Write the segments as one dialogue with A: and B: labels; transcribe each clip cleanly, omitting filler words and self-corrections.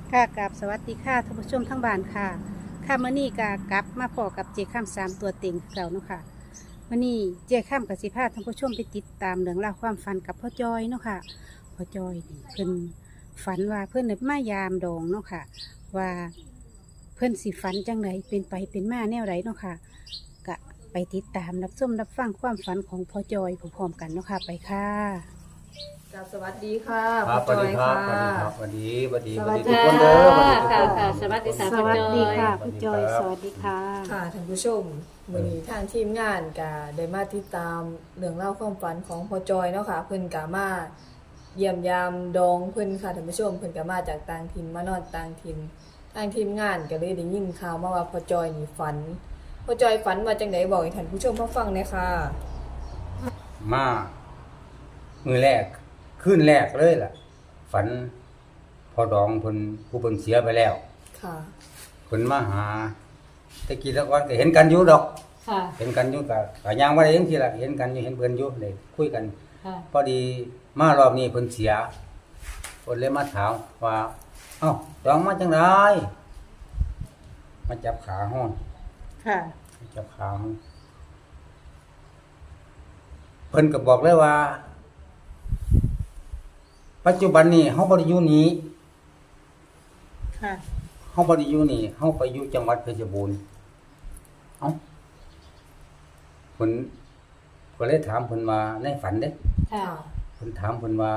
A: ค่ะกับสวัสดีค่ะท่านผู้ชมทั้งบ้านค่ะค่ะมื้อนี้กกลับมาพอกับเจข้ามสามตัวเต็งคือเก่าเนาะค่ะมื้อนี้เจข้ามกับสิพาท่านผู้ชมไปติดตามเรื่องราวความฝันกับพ่อจอยเนาะค่ะพ่อจอยนี่เพิ่นฝันว่าเพิ่นได้มายามดองเนาะค่ะว่าเพิ่นสิฝันจังไดเป็นไปเป็นมาแนวไรเนาะค่ะกะไปติดตามรับชมรับฟังความฝันของพ่อจอยพร้อมๆกันเนาะค่ะไปค่ะ
B: กับสวัสดีค่ะ
C: ครับส
B: พ่อ
C: วัส
B: จอ
C: ดี
B: ย
C: ครับ
B: ค่ะ
C: สวัสดีครับสวัสดี
B: ส
C: ส
B: วั
C: วั
B: ส
C: ส
B: ดี
C: ดีทุกคนเด้อสวัสดีทุก
D: ค่ะ
C: คน
D: ค่ะสวัสดีค่ะ
A: สวัสดีค่ะ
C: สวั
A: พ่อ
C: สดี
A: จอย
C: ครับ
A: สวัสดีค่ะ
B: ค่ะท่านผู้ชมวันนี้ทางทีมงานก็ได้มาติดตามเรื่องเล่าวความฝันของพ่อจอยเนาะค่ะเพิ่นก็มาเยี่ยมยามดองเพิ่นค่ะท่านผู้ชมเพิ่นก็มาจากต่างถิ่นมานอนต่างถิ่นทางทีมงานก็เลยได้ยินข่าวมาว่าพ่อจอยนี่ฝันพ่อจอยฝันว่าจังไดบอกให้ท่านผู้ชมมาฟังหน่อยค่ะ
C: มามือแรกคืนแรกเลยล่ะ ฝันพอดองเพิ่นผู้เพิ่นเสียไปแล้ว
B: ค่ะ
C: เพิ่นมาหาแตะกี้แตะก่อนก็เห็นกันอยู่ดอก
D: ค่ะ
C: เห็นกันอยู่ก็ย่างบ่ได้จังซี่ล่ะเห็นกันอยู่เห็นเพิ่นอยู่ได้คุยกัน
D: ค่ะ
C: พอดีมารอบนี้เพิ่นเสียเพิ่นเลยมาถามว่าเอ้าดองมาจังไดมาจับขาฮ้อน
A: ค่ะ
C: จับขาฮ้อนเพิ่นก็บอกเลยว่า ปัจจุบันนี้เฮาบ่ได้อยู่นี้
A: ค่ะ
C: เฮาบ่ได้อยู่นี่เฮาไปอยู่จังหวัดเพชรบูรณ์เอ้าเพิ่นก็เลยถามเพิ่นว่าในฝันเด้
D: ค่ะ
C: เพิ่นถามเพิ่นว่า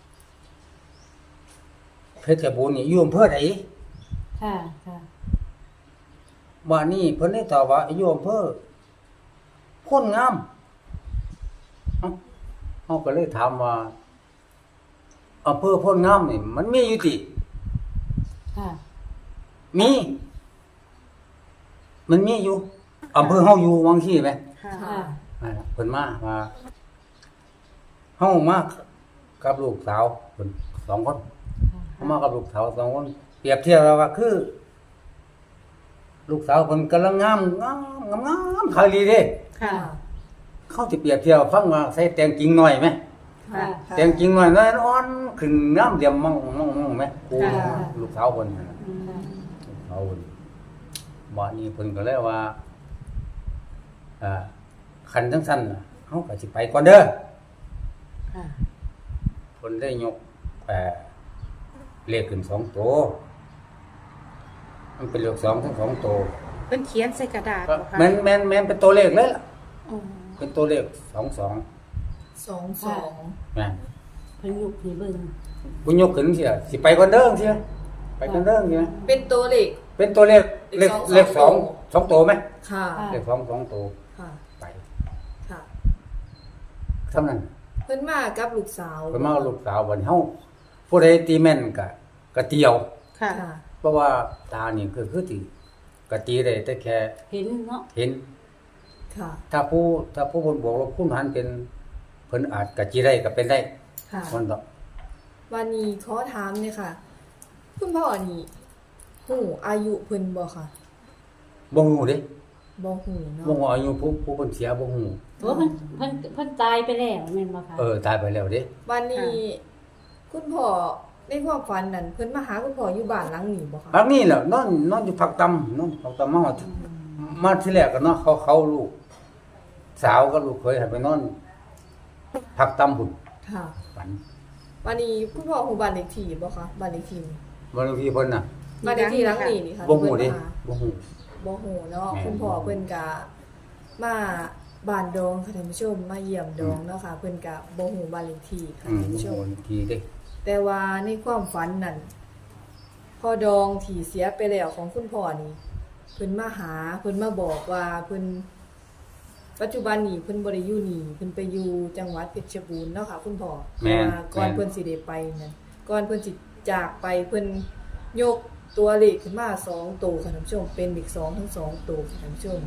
C: เพชรบูรณ์นี่อยู่อำเภอใด
D: ค่ะ ค่ะ
C: บ้านนี้เพิ่นได้ตอบว่าอยู่อำเภอโพ้นงามเอ้าเฮาก็เลยถามว่าอำเภอโพ้นงามนี่มันมีอยู่ติ
D: ค่ะ
C: มี มันมีอยู่อำเภอเฮาอยู่วังซี่แหม
A: ค่ะ
D: ค่ะ
C: เพิ่นมาว่าเฮามากับลูกสาวเพิ่น2คนเฮามากับลูกสาว2คนเปรียบเทียบแล้วว่าคือ ลูกสาวเพิ่นกำลังงามคาลีเด้
A: ค่ะ
C: เขาสิเปรียบเทียบฟังว่าใส่แต่งจริงหน่อยไหม
D: ค่ะ
C: แต่งจริงหน่อยน้อยอ่อนขึ้นงามเดี่ยมมองไหมกู
A: ค่ะ
C: ลูกสาวเพิ่นน่ะ
D: อืม
C: ลูกสาวเพิ่นบ่นี้เพิ่นก็เลยว่าคันจังซั่นน่ะเฮาก็สิไปก่อนเด้อ
A: ค่ะ
C: เพิ่นได้ยกเลขขึ้น2ตัวมันเป็นเลข2ทั้ง2ตัว
A: เพิ่นเขียนใส่กระดาษ
C: ก็
A: บ่คะ
C: แม่นเป็นตัวเลขเลยล่ะ
A: อ๋อ
C: เป็นตัวเลข22
B: 22
C: แม่น
D: เพิ่นยุกให้เบิ่ง
C: กูยกขึ้นเสียสิไปก่อนเด้อเสียไปก่อนเด้อเสีย
B: เป็นตัวเลข
C: เป็นตัวเลขเลขสองตัวไหม
B: ค่ะ
C: เลขสองตัว
B: ค่ะ
C: ไป
B: ค่ะ
C: เท่านั้น
B: เพิ่นมากับลูกสาว
C: ไปมาลูกสาววันเฮาผู้ใดตีแม่นกะเตียว
A: ค่ะ
B: ค่ะ
C: เพราะว่าตานี่คือสิกะตีได้แต่แค่
D: เห็นเนาะ
C: เห็น
B: ค่ะ
C: ถ้าผู้บนบวกลบคูณหารเป็นเพิ่นอาจกะจีได้ก็เป็นได้
B: ค่ะ
C: มันก็
B: วันนี้ขอถามเนี่ยค่ะ คุณพ่อนี่หูอายุเพิ่นบ่ค่ะ
C: บ่ฮู้เด้
B: บ่หูเนาะ
C: บ่ฮู้อายุผู้เพิ่นเสียบ่ฮู้
D: โอ้เพิ่นตายไปแล้วแม่นบ่คะ
C: ตายไปแล้วเด้
B: วันนี้ คุณพ่อในความฝันนั้นเพิ่นมาหาคุณพ่ออยู่บ้านหลังนี้บ่คะ
C: อันนี้แหละนอนอยู่ผักตำนอนผักตำมาที่แรกก็เนาะเขาลูก สาวก็ลูกเคยให้ไปนอนผักตำพุ่น
B: ค่ะ
C: ฝัน
B: วันนี้คุณพ่อฮู้บ้านเลขที่บ่คะบ้านเลขที่นี่
C: บางทีเพิ่นน่ะ
B: บ้านเลขที่หลังนี้นี่ค่ะ
C: บ่ฮู้เด้
B: ที่เพิ่นมาหา
C: บ่ฮู้
B: บ่ฮู้เนาะ
C: แม่น
B: คุณพ่อเพิ่นก็มาบ้านดองค่ะท่านผู้ชมมาเยี่ยมดองเนาะค่ะเพิ่นก็บ่ฮู้บ้านเลขที่ค่ะ
C: อืม
B: ท่านผู้ช
C: โอ้
B: ม
C: ทีเด้
B: แต่ว่าในความฝันนั่นพ่อดองที่เสียไปแล้วของคุณพ่อนี่เพิ่นมาหาเพิ่นมาบอกว่าเพิ่นปัจจุบันนี้เพิ่นบ่ได้อยู่นี่เพิ่นไปอยู่จังหวัดเพชรบูรณ์เนาะค่ะคุณพ่อ
C: แม่น
B: ว่าก่อนเพิ่นสิได้ไปนั่นก่อนเพิ่นสิจากไปเพิ่นยกตัวเลขขึ้นมา2ตัวค่ะท่านผู้ชมเป็นเลข2ทั้ง2ตัวค่ะท่านผู้ชม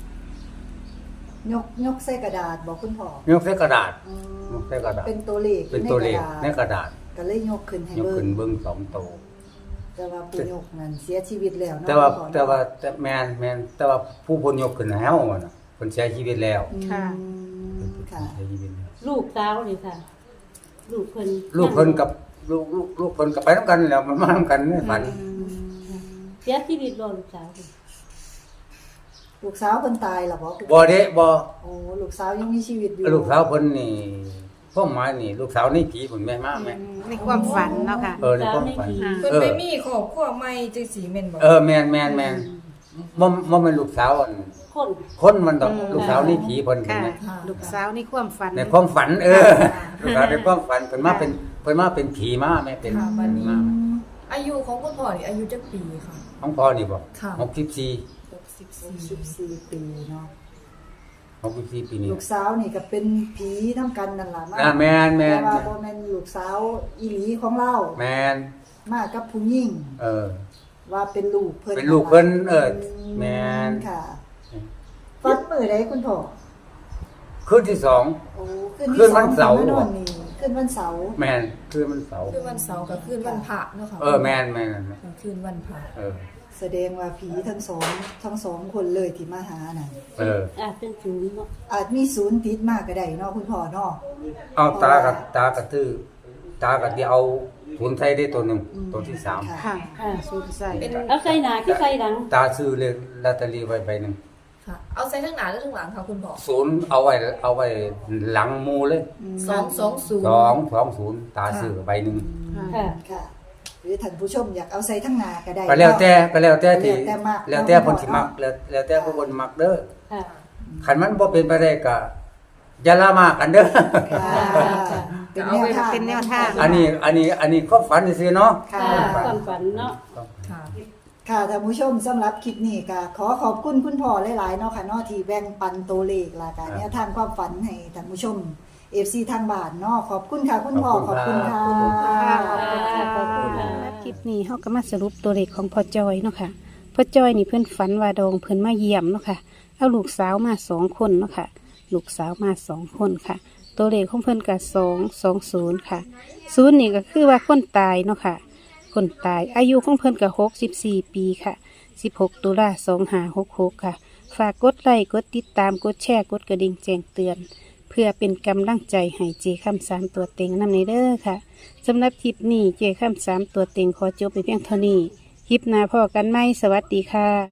E: ยกใส่กระดาษบอกคุณพ่อย
C: กใส่กระดาษ
E: อืม
C: ยกใส่กระดาษ
E: เป็นตัวเลข
C: เป็นตัวเลขใน
E: ใน
C: ก
E: กระดาษ
C: ระดาษ
E: ก็เลยยกขึ้นให้
C: ยก
E: เบิ่
C: ขึ้
E: ง
C: นเบิ่ง2ตัว
E: แต่ว่าปู่ยกนั้นเสียชีวิตแล้วเนาะ
C: แต่ว่า
E: คุณพ่อ
C: แต่แม่นแต่ว่าผู้เพิ่นยกขึ้นให้เฮาน่ะเพิ่นเสียชีวิตแล้ว
E: อืม
A: ค่ะ
E: ค่ะ
C: เสียชีวิตแล้ว
D: ลูกสาวนี่ค่ะ ลูกเพิ่น
C: ลูกเพิ่นกับลูกคนก็ไปนํกันแล้วมันมานํกันในฝัน
D: เสียชีวิตบ่ลูกสาว
E: ลูกสาวเพิ่นตายล่ะบ่คุณ
C: บ่เด้บ่
E: โอ้ลูกสาวยังมีชีวิตอยู่
C: ลูกสาวเพิ่นนี่พวกหมายนี่ลูกสาวนี่ผีเพิ่นแม่มาแม่
A: ในความฝันเนาะค่ะ
C: ในความฝัน
B: เพิ่นไปมีครอบครัวใหม่จังซี่แม่นบ่
C: แม่นบ่แม่นลูกสาวอัน
D: คน
C: คนมันดอกลูกสาวนี่ผีเพิ่นเห็น
A: ค่ะ
C: ไหม
A: ลูกสาวในความฝัน
C: ในความฝันลูกสาวในความฝันเพิ่นมาเป็นผีมาแม่เป็น
B: ค่ะบัดนี้
C: มา
B: อายุของคุณพ่อนี่อายุจักปีค่ะ
C: ของพ่อนี่บ่
B: ค่ะ
C: 64
E: 64ปีเนาะ
C: 64ปีนี่
E: ลูกสาวนี่ก็เป็นผีทำกันนั่นล่ะมา
C: แม่น
E: แต่ว่าบ่แม่นลูกสาวอีหลีของเรา
C: แม่น
E: มากับผู้หญิง ว่าเป็นลูกเพิ่น
C: เป็นลูกเพิ่นแม่น
E: ค่ะฟันมื้อใดคุณพ่อ
C: คืนที่สอง
E: โอ้
C: คืนวันเสาร์
E: คืนวันนี้คืนวันเสาร์
C: แม่นคืนมันเสาร์
B: คือวันเสาร์กับคืนวันพระเนาะค่ะ
C: แม่น
B: กับคืนวันพระ
E: แสดงว่าผีทั้งสองคนเลยที่มาหาน่ะ
D: เป็นศูนย์เนาะ
E: อาจมีศูนย์ติดมากก็ได้เนาะคุณพ่อเนาะ
C: เอาตากับตื้อตากับที่เอาศูนย์ใส่ได้ตัวหนึงตัวที่สาม
A: ค่ะสูญใส่
B: เป็น
D: เอาใส่หน้าคือใส่หลัง
C: ตาซื้อเลยลอตเตอรี่ไว้ใบหนึง
B: ค่ะ เอาใส่ทั้งหน้าและทั้งหลังค่ะคุณพ่อ
C: ศูนย์เอาไว้หลังหมูเลย
B: 220
C: 220ตาซื้อใบหนึง
D: ค่ะ
E: ค่ะ หรือท่านผู้ชมอยากเอาใส่ทั้งหน้าก็ได้
C: ก็แล้วแต่ที่
E: แล้วแต่มัก
C: แล้วแต่คนสิมักแล้วแต่ผู้คนมักเด้อ
D: ค่ะ
C: คันมันบ่เป็นไปได้ก็อย่าละมากกันเด้อ
E: ค่ะเป็นแนวทาง
C: อันนี้ความฝันซื่อๆเนาะ
E: ค่ะ
D: ความฝันเนาะ
B: ค่ะ
E: ค่ะท่านผู้ชมสำหรับคลิปนี้ก็ขอขอบคุณคุณพ่อหลายๆเนาะค่ะเนาะที่แบ่งปันตัวเลขและการแนวทางความฝันให้ท่านผู้ชม FC ทางบ้านเนาะขอบคุณค่ะคุณพ่อขอบคุณค่ะ
A: ขอบคุณค่ะ
D: ขอบคุณค่ะ
A: คลิปนี้เฮาก็มาสรุปตัวเลขของพ่อจอยเนาะค่ะพ่อจอยนี่เพิ่นฝันว่าดองเพิ่นมาเยี่ยมเนาะค่ะเอาลูกสาวมา2 คนเนาะค่ะลูกสาวมา2 คนค่ะ ตัวเลขของเพิ่นก็220ค่ะ0นี่ก็คือว่าคนตายเนาะค่ะคนตายอายุของเพิ่นก็64 ปีค่ะ16 ตุลา2566ค่ะฝากกดไลค์กดติดตามกดแชร์กดกระดิ่งแจ้งเตือน เพื่อเป็นกำลังใจให้เจคำ3ตัวเต็งนำในเด้อค่ะสำหรับคลิปนี้เจคำ3ตัวเต็งขอจบไปเพียงเท่านี้คลิปหน้าพอกันไหมสวัสดีค่ะ